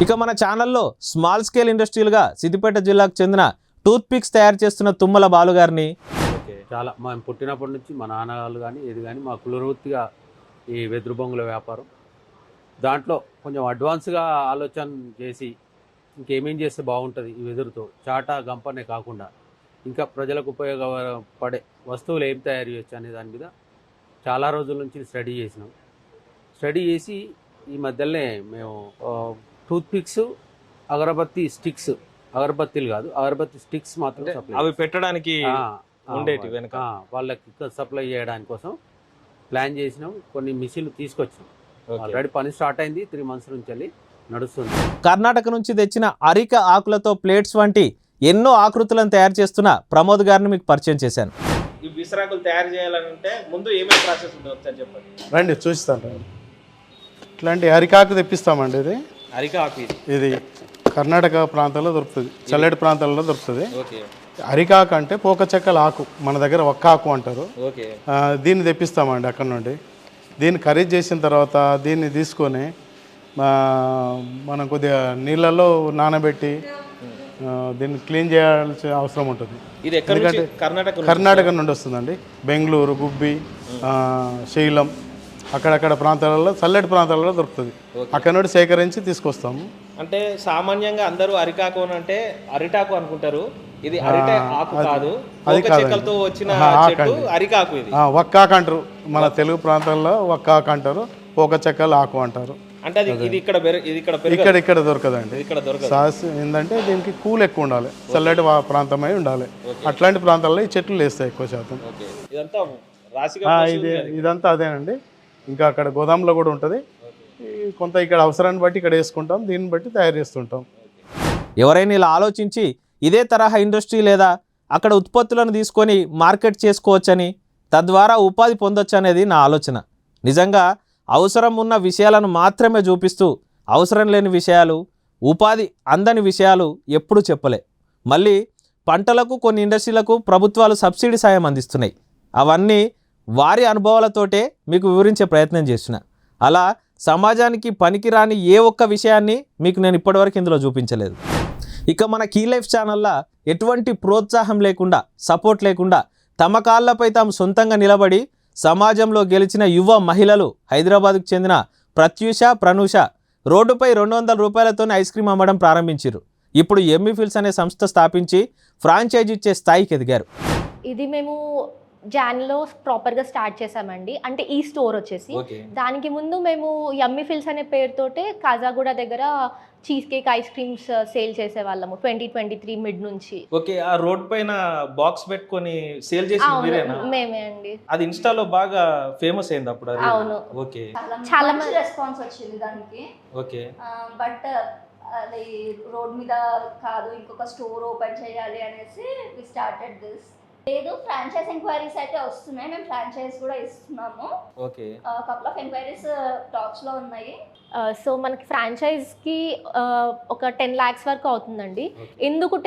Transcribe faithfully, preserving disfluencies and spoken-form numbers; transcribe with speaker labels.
Speaker 1: ఇక మన ఛానల్లో స్మాల్ స్కేల్ ఇండస్ట్రీలుగా సిద్దిపేట జిల్లాకు చెందిన టూత్ పిక్స్ తయారు చేస్తున్న తుమ్మల బాలు గారిని
Speaker 2: చాలా మేము పుట్టినప్పటి నుంచి మా నాన్నగారు కానీ ఏది కానీ మా కులవృత్తిగా ఈ వెదురు బొంగుల వ్యాపారం. దాంట్లో కొంచెం అడ్వాన్స్గా ఆలోచన చేసి ఇంకేమేం చేస్తే బాగుంటుంది ఈ వెదురుతో చాటా గంపనే కాకుండా ఇంకా ప్రజలకు ఉపయోగపడే వస్తువులు ఏం తయారు చేయొచ్చు అనే దాని మీద చాలా రోజుల నుంచి స్టడీ చేసినాం. స్టడీ చేసి ఈ మధ్యలోనే మేము టూత్ పిక్స్, అగరబత్తి స్టిక్స్, అగరబత్తీలు కాదు అగరబత్తి స్టిక్స్ మాత్రం సప్లై
Speaker 1: అవి పెట్టడానికి ఉండేటి వెనక
Speaker 2: వాళ్ళకి సప్లై చేయడానికి కోసం ప్లాన్ చేసినాం. కొన్ని మిషన్లు తీసుకొచ్చినాం. ఆల్రెడీ పని స్టార్ట్ అయింది. త్రీ మంత్స్ నుంచి వెళ్ళి నడుస్తుంది.
Speaker 1: కర్ణాటక నుంచి తెచ్చిన అరిక ఆకులతో ప్లేట్స్ వంటి ఎన్నో ఆకృతులను తయారు చేస్తున్న ప్రమోద్ గారిని మీకు పరిచయం చేశాను. ఈ విసరాకులు తయారు చేయాలంటే ముందు ఏమేమి ప్రాసెస్ ఉంటుంది చెప్పండి.
Speaker 3: రండి చూస్తాను. రండి. ఇట్లాంటి అరికాకు తెప్పిస్తామండి. ఇది
Speaker 1: అరిక ఆకు ఇది
Speaker 3: ఇది కర్ణాటక ప్రాంతాల్లో దొరుకుతుంది, చల్లటి ప్రాంతాల్లో దొరుకుతుంది.
Speaker 1: ఓకే.
Speaker 3: అరికాకు అంటే పోక చెక్కల ఆకు, మన దగ్గర ఒక్క ఆకు అంటారు.
Speaker 1: ఓకే.
Speaker 3: దీన్ని తెప్పిస్తామండి అక్కడ నుండి. దీన్ని ఖరీదు చేసిన తర్వాత దీన్ని తీసుకొని మనం కొద్దిగా నీళ్ళల్లో నానబెట్టి దీన్ని క్లీన్ చేయాల్సిన అవసరం ఉంటుంది. ఎందుకంటే కర్ణాటక నుండి వస్తుందండి. బెంగళూరు, గుబ్బి, శైలం అక్కడక్కడ ప్రాంతాలలో చల్లటి ప్రాంతాలలో దొరుకుతుంది. అక్కడ నుండి సేకరించి తీసుకొస్తాము.
Speaker 1: అంటే సామాన్యంగా అందరూ అరికాకు అంటే అరిటాకు అనుకుంటారు. ఇది అరిటాకు ఆకు కాదు,
Speaker 3: అది
Speaker 1: చెక్కలతో వచ్చిన చెట్టు అరికాకు. ఇది
Speaker 3: వక్కాకు అంటారు, మన తెలుగు ప్రాంతాల్లో వక్కాకు అంటారు, పోక చెక్కల ఆకు అంటారు.
Speaker 1: అంటే అది ఇది ఇక్కడ ఇది ఇక్కడ
Speaker 3: ఇక్కడ ఇక్కడ దొరకదండి.
Speaker 1: ఇక్కడ దొరకదు.
Speaker 3: సాస్ ఏంటంటే దీనికి కూల్ ఎక్కువ ఉండాలి, చల్లటి ప్రాంతమై ఉండాలి. అట్లాంటి ప్రాంతాల్లో ఈ చెట్లు లేస్తాయి ఎక్కువ శాతం. ఇది ఇదంతా అదేనండి. ఇంకా అక్కడ గోదాంలో కూడా ఉంటుంది. కొంత ఇక్కడ అవసరాన్ని బట్టి ఇక్కడ వేసుకుంటాం, దీన్ని బట్టి తయారు చేస్తుంటాం.
Speaker 1: ఎవరైనా ఇలా ఆలోచించి ఇదే తరహా ఇండస్ట్రీ లేదా అక్కడ ఉత్పత్తులను తీసుకొని మార్కెట్ చేసుకోవచ్చని, తద్వారా ఉపాధి పొందొచ్చు అనేది నా ఆలోచన. నిజంగా అవసరం ఉన్న విషయాలను మాత్రమే చూపిస్తూ అవసరం లేని విషయాలు, ఉపాధి అందని విషయాలు ఎప్పుడూ చెప్పలే. మళ్ళీ పంటలకు కొన్ని ఇండస్ట్రీలకు ప్రభుత్వాలు సబ్సిడీ సాయం అందిస్తున్నాయి. అవన్నీ వారి అనుభవాలతోటే మీకు వివరించే ప్రయత్నం చేస్తున్నా. అలా సమాజానికి పనికిరాని ఏ ఒక్క విషయాన్ని మీకు నేను ఇప్పటివరకు ఇందులో చూపించలేదు. ఇక మన కీ లైఫ్ ఛానల్లో ఎటువంటి ప్రోత్సాహం లేకుండా, సపోర్ట్ లేకుండా తమ కాళ్ళపై తాము సొంతంగా నిలబడి సమాజంలో గెలిచిన యువ మహిళలు హైదరాబాద్కు చెందిన ప్రత్యూష, ప్రనూష రోడ్డుపై రెండు వందల రూపాయలతోనే ఐస్ క్రీమ్ అమ్మడం ప్రారంభించారు. ఇప్పుడు ఎమ్మీ ఫిల్స్ అనే సంస్థ స్థాపించి ఫ్రాంచైజీ ఇచ్చే స్థాయికి ఎదిగారు.
Speaker 4: ఇది మేము జాన్లో ప్రాపర్గా స్టార్ట్ చేసామండి. అంటే ఈ స్టోర్ వచ్చేసి దానికి ముందు మేము యమ్మీ ఫిల్స్ అనే పేరుతోటే కాజాగూడ దగ్గర cheesecake ice creams sale చేసేవాళ్ళము ట్వంటీ ట్వంటీ త్రీ మిడ్ నుంచి.
Speaker 1: ఓకే. ఆ రోడ్ పైన బాక్స్ పెట్టుకొని సేల్ చేసి
Speaker 4: మేమే అండి.
Speaker 1: అది ఇన్స్టాలో బాగా ఫేమస్ అయింది అప్పుడు.
Speaker 4: అవును.
Speaker 1: ఓకే.
Speaker 5: చాలా మంచి రెస్పాన్స్ వచ్చింది దానికి.
Speaker 1: ఓకే.
Speaker 5: బట్ అది రోడ్ మీద కాదు, ఇంకొక స్టోర్ ఓపెన్ చేయాలి అనేసి వి స్టార్టెడ్ దిస్. లేదు, ఫ్రాంచైజ్ ఎంక్వైరీస్ అయితే వస్తున్నాయి. మేము ఫ్రాంచైజ్ కూడా ఇస్తున్నాము.
Speaker 1: Okay.
Speaker 5: Couple of enquiries talks లో ఉన్నాయి.
Speaker 4: సో మనకి ఫ్రాంచైజ్కి ఒక టెన్ ల్యాక్స్ వరకు అవుతుందండి. ఎందుకు